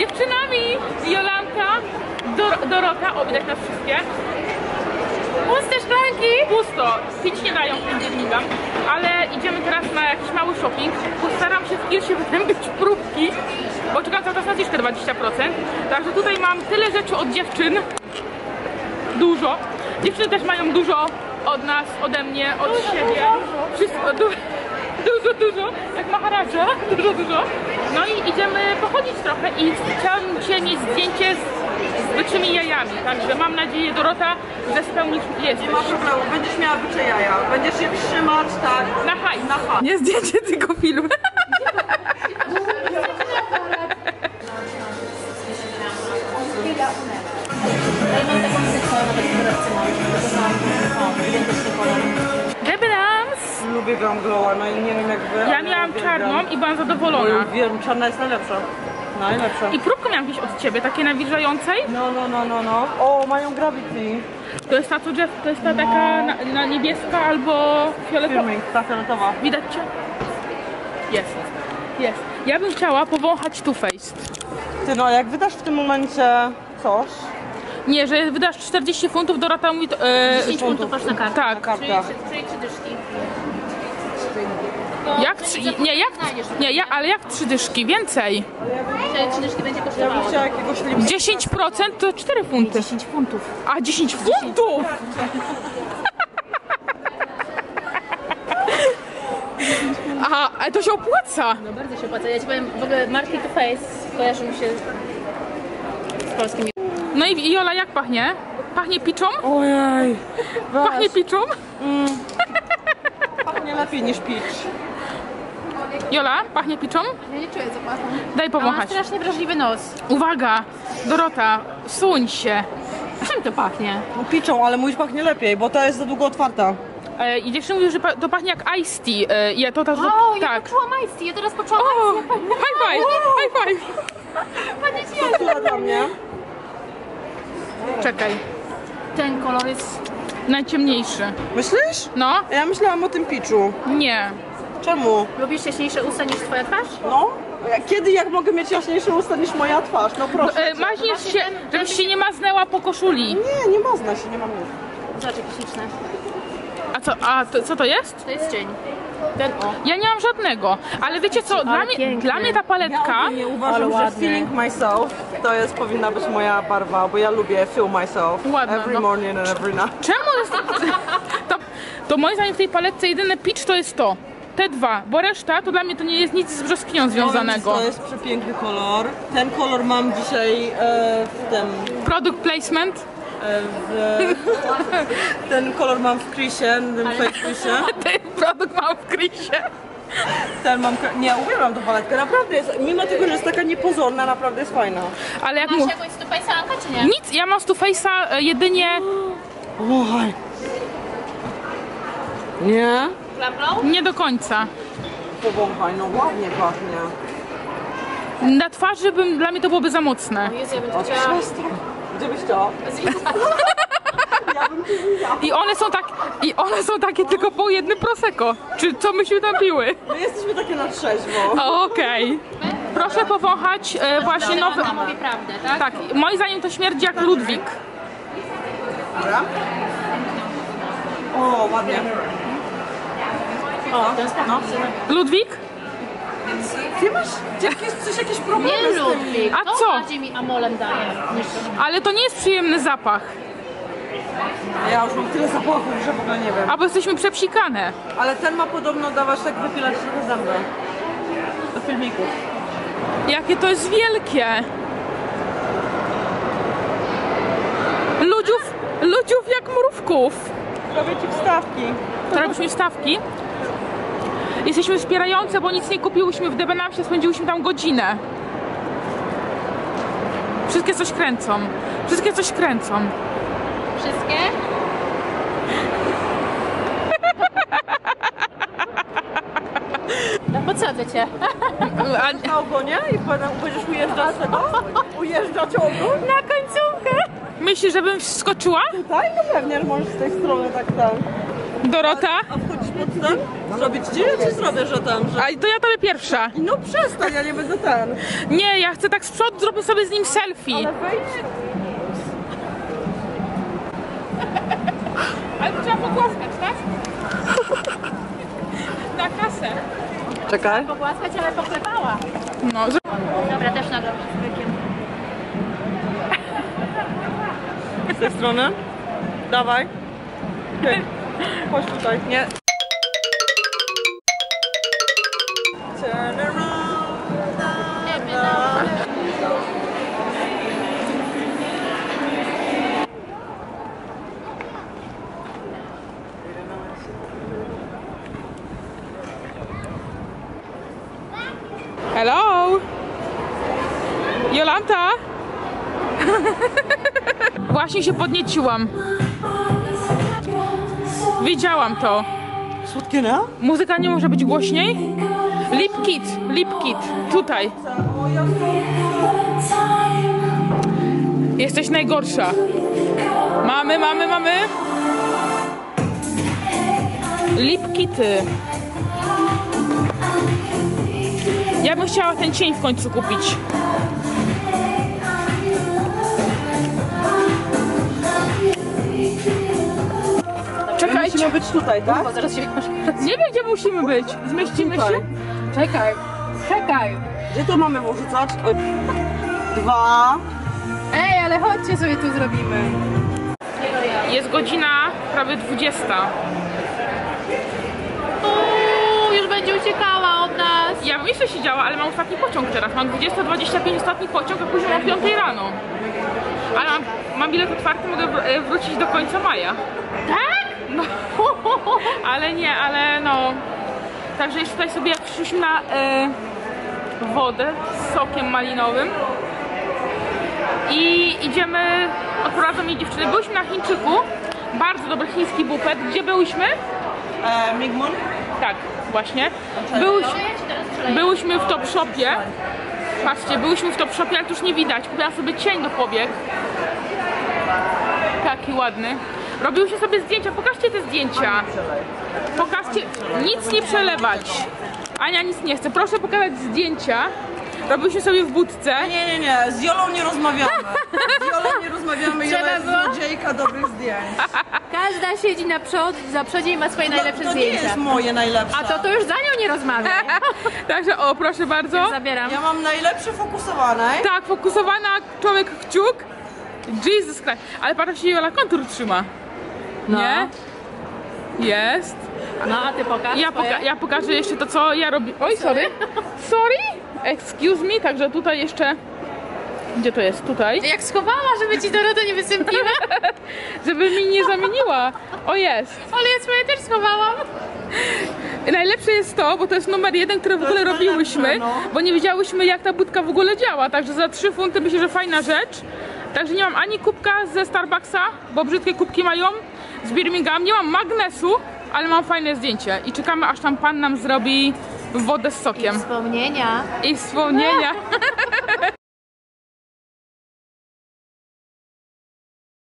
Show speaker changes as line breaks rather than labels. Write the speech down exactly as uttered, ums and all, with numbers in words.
dziewczynami. Jolanka, Dor Dorota, o widać nas wszystkie. Puste szklanki! Pusto, pić nie dają, nie migam. Ale idziemy teraz na jakiś mały shopping. Postaram się w Kirsie wytępić próbki, bo czekam cały czas na zniżkę dwadzieścia procent. Także tutaj mam tyle rzeczy od dziewczyn. Dużo. Dziewczyny też mają dużo od nas, ode mnie, od dużo, siebie. Dużo. Wszystko du dużo, dużo. Jak Maharadża. Dużo, dużo. No i idziemy pochodzić trochę i chciałam Cię mieć zdjęcie z, z byczymi jajami. Także mam nadzieję, Dorota, że spełnisz jesteś.
Nie ma problemu, będziesz miała bycze jaja. Będziesz je trzymać, tak.
Na hajs.
Na hajs.
Nie zdjęcie, tylko film. Debrams!
Lubię Glam Glow, no i nie wiem jak wy.
Ja miałam czarną i byłam zadowolona.
Wiem, czarna jest najlepsza. Najlepsza.
I próbkę miałam gdzieś od Ciebie, takiej nawilżającej.
No, no, no, no, no. O, mają Gravity.
To jest ta, co Jeff, to jest ta taka na, na niebieska albo fioletowa.
Filming, ta fioletowa.
Widać Cię? Jest. Jest. Ja bym chciała powąchać Too Faced.
Ty no, jak wydasz w tym momencie coś...
Nie, że wydasz czterdzieści funtów, Dorota mówi... To, e,
dziesięć funtów masz na kartę.
Tak.
Na kartę.
Czyli trzy dyszki.
Jak trzy... Nie, jak... Nie, ja, ale jak trzy dyszki? Więcej.
Czyli trzy dyszki będzie
Ja bym
kosztowało.
chciała jakiegoś limita.
dziesięć procent to cztery funty.
dziesięć funtów.
A, dziesięć funtów! Aha, ale to się opłaca.
No bardzo się opłaca. Ja ci powiem, w ogóle marki Too Faced kojarzą mi się z polskimi.
No i Jola, jak pachnie? Pachnie piczą?
Ojej.
Pachnie piczą?
Pachnie lepiej niż pitch.
Jola, pachnie piczą?
Ja nie czuję zapachu.
Daj
A mam
powąchać.
strasznie wrażliwy nos.
Uwaga, Dorota, suń się.
Czym to pachnie?
No piczą, ale mój pachnie lepiej, bo ta jest za długo otwarta.
E, I dziewczyny mówią, że pa to pachnie jak iced tea. E, ja to, to, to,
O, ja
tak.
poczułam Ice Tea, ja teraz poczułam
O,
Ice Tea.
high five, high five.
Panie
Która dla mnie?
Czekaj,
Ten kolor jest...
najciemniejszy.
Myślisz?
No,
Ja myślałam o tym pitchu.
nie.
Czemu?
Lubisz jaśniejsze usta niż twoja twarz?
No? Kiedy jak mogę mieć jaśniejsze usta niż moja twarz? No proszę.
E, maźniesz się, żebyś się nie maznęła po koszuli.
Nie, nie można się, nie mam nic.
Zobacz, jakie śliczne.
A co, a to, co to jest?
To jest cień. Ten o.
Ja nie mam żadnego, ale wiecie co, dla mnie,
piękny.
dla mnie ta paletka...
Nie uważam,
Ale
że
ładny.
feeling myself to jest powinna być moja barwa, bo ja lubię feel myself.
Ładna,
every
no.
morning and every night.
Czemu jest... To, to moim zdaniem w tej paletce jedyny pitch to jest to. Te dwa, bo reszta to dla mnie to nie jest nic z brzoskwinią związanego.
To jest przepiękny kolor. Ten kolor mam dzisiaj e, w tym...
Product placement.
E, w, ten kolor mam w Chrisie, w tym fake Chrisie.
Ten produkt mam w Chrisie.
Ten mam... Nie, uwielbiam tą paletkę, naprawdę jest, mimo tego, że jest taka niepozorna, naprawdę jest fajna.
Ale jak
Masz
mu...
jakąś Too Faced'ankę, czy nie?
Nic, ja mam z Too Faced'a e, jedynie...
Oj. Nie?
Glam Glow?
Nie do końca.
Powąchaj, no ładnie pachnie.
Na twarzy bym, dla mnie to byłoby za mocne.
Jezu, ja bym to
O,
chciała...
przestań. Gdzie byś chciała? Ja bym ci widziała.
I one są tak, i one są takie tylko po jednym prosecco. Czy co myśmy tam piły?
My jesteśmy takie na trzeźwo.
O, okej. Proszę powąchać e, właśnie nowy...
Ona mówi prawdę, tak?
Tak, moim zdaniem to śmierdzi jak Ludwik.
Dobra. O, ładnie. O, no.
Ludwik?
Ty masz jakieś, coś, jakieś problemy
Nie
z tym?
lubi.
A
To
co?
bardziej mi amolem daje niż...
Ale to nie jest przyjemny zapach.
Ja już mam tyle zapachów, że w ogóle nie wiem.
Albo jesteśmy przepsikane.
Ale ten ma podobno dawać tak wypilać trochę zęby. Do filmików.
Jakie to jest wielkie. Ludziów, ludziów jak mrówków.
Robię ci wstawki.
To robisz wstawki. Jesteśmy wspierające, bo nic nie kupiłyśmy w Debenhamsie, spędziłyśmy tam godzinę. Wszystkie coś kręcą. Wszystkie coś kręcą.
Wszystkie? No podsadzę cię.
A,
Na ogonie i potem będziesz ujeżdżać tego? Ujeżdżać ogon?
na końcówkę. Myślisz, żebym wskoczyła?
Tutaj? No pewnie, że możesz z tej strony tak tam.
Dorota?
A wchodzisz pod ten? Zrobić ci? Ja ci zrobię, że tam, że...
A to ja tobie pierwsza.
No przestań, ja nie będę ten.
Nie, ja chcę tak z przodu, zrobię sobie z nim selfie.
Ale wejdź.
Ale to trzeba pogłaskać, tak? Na kasę.
Czekaj.
Pogłaskać, ale poklepała.
No, że...
Dobra, też nagram z bykiem.
Z tej strony. Dawaj. Okej. Chodź tutaj. Nie. Turn around.
Hello? Jolanta? Właśnie się podnieciłam. Widziałam to.
Słodkie, nie?
Muzyka nie może być głośniej? Lip Kit, Lip Kit, tutaj. Jesteś najgorsza. Mamy, mamy, mamy. Lip Kity. Ja bym chciała ten cień w końcu kupić. Czekajcie.
Musimy być tutaj, tak?
Bo zaraz się
Nie wiem, gdzie musimy być. Zmieścimy
Tutaj.
się?
Czekaj, czekaj.
Gdzie to mamy wrzucać? Oj. Dwa.
Ej, ale chodźcie sobie tu zrobimy.
Jest godzina prawie dwudziesta.
Uuu, już będzie uciekała od nas.
Ja bym jeszcze siedziała, ale mam ostatni pociąg teraz. Mam dwudziesta dwadzieścia pięć ostatni pociąg, a później o piątej rano. Ale mam, mam bilet otwarty, mogę wr- e, wrócić do końca maja.
Tak?
No, ale nie, ale no. Także jeszcze tutaj sobie przyszliśmy na e, wodę z sokiem malinowym. I idziemy, odprowadzą mnie dziewczyny. Byliśmy na Chińczyku, bardzo dobry chiński bufet. Gdzie byliśmy?
E, Migmon.
Tak, właśnie. Byłyśmy, byłyśmy w Top Shopie. Patrzcie, byłyśmy w Top Shopie, ale to już nie widać. Kupiłam sobie cień do powiek. Taki ładny. Robiłyśmy sobie zdjęcia. Pokażcie te zdjęcia. Pokażcie. Nic nie przelewać. Ania nic nie chce. Proszę pokazać zdjęcia. Robiłyśmy sobie w budce.
Nie, nie, nie, z Jolą nie rozmawiamy. Z Jolą nie rozmawiamy, Jola
Trzeba
jest
było?
złodziejka dobrych zdjęć.
Każda siedzi na przód, za przodzie i ma swoje najlepsze
to, to nie
zdjęcia.
jest moje najlepsze.
A to to już za nią nie rozmawiaj.
Także o, proszę bardzo.
Zabieram.
Ja mam najlepsze fokusowane.
Tak, fokusowana człowiek kciuk. Jesus Christ. Ale patrzcie, Jola kontur trzyma.
No.
Nie? Jest.
No, a ty pokaż
Ja,
swoje.
poka ja pokażę jeszcze to, co ja robię. Oj, sorry. Sorry. Excuse me. Także tutaj jeszcze... Gdzie to jest? Tutaj.
Jak schowała, żeby ci Dorota nie wystąpiła?
Żeby mi nie zamieniła. O, jest.
Ale ja swoje też schowałam.
Najlepsze jest to, bo to jest numer jeden, który w ogóle
jest
robiłyśmy,
najlepsze, no.
bo nie wiedziałyśmy, jak ta budka w ogóle działa. Także za trzy funty myślę, że fajna rzecz. Także nie mam ani kubka ze Starbucksa, bo brzydkie kubki mają z Birmingham. Nie mam magnesu, ale mam fajne zdjęcie. I czekamy, aż tam pan nam zrobi wodę z sokiem.
Wspomnienia.
I wspomnienia.